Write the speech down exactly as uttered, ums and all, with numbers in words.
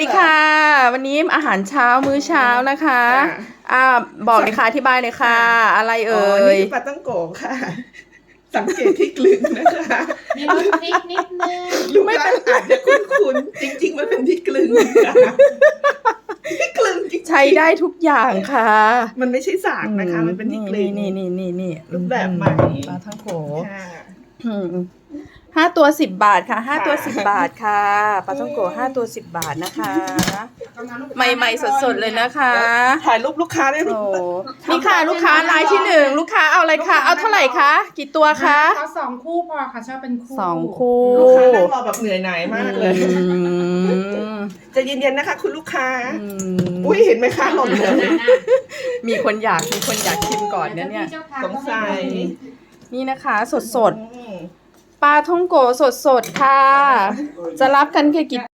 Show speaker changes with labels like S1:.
S1: ดีค่ะ วันนี้อาหารเช้ามื้อเช้านะคะอ่าบอกเลยค่ะอธิบายเลยค่ะ อะไรเอ่ย
S2: นี่คือปลาต้องโกะค่ะ สังเกตที่กลึงนะคะ
S3: มีรสพริกนิดนึง
S2: ลูกค้าอาจจะคุ้นๆจริงๆมันเป็นที่กลึงค่ะที่กลึงจริงๆ
S1: ใช้ได้ทุกอย่างค่ะ
S2: มันไม่ใช่สากนะคะ มันเป็นที่กลึง
S1: นี่นี่นี่นี่
S2: รูปแบบใหม่
S1: ปลาทั้งโข
S2: ค่ะ
S1: อืมห้าตัวสิบบาทค่ะห้า
S2: ค่ะ
S1: ตัวสิบบาทค่ะปลาท่องโกห้าตัวสิบบาทนะคะ ใหม่ๆสดๆเลยนะคะ
S2: ถ่ายรูปลูกค้าได้ไหม
S1: โอ้นี่ค่ะลูกค้ารายที่หนึ่งลูกค้าเอาอะไรคะเอาเท่าไหร่คะกี่ตัวคะ
S3: เอาสองคู่พอค่ะชอบเป็นคู่
S1: สองคู่
S2: ลูกค้านั่งรอแบบเหนื่อยหน่ายมากเลย
S1: อืม
S2: ใจะเย็นๆนะคะ คุณลูกค้า
S1: อืม
S2: อุ้ยเห็นไหมคะหล่นเลย
S1: มีคนอยากมีคนอยากชิมก่อนเนี่ยเนี่ย
S2: สงสัย
S1: นี่นะคะสดสด
S2: อืม
S1: ๆปลาท่องโกสดสดๆค่ะ จะรับกันแค่กี่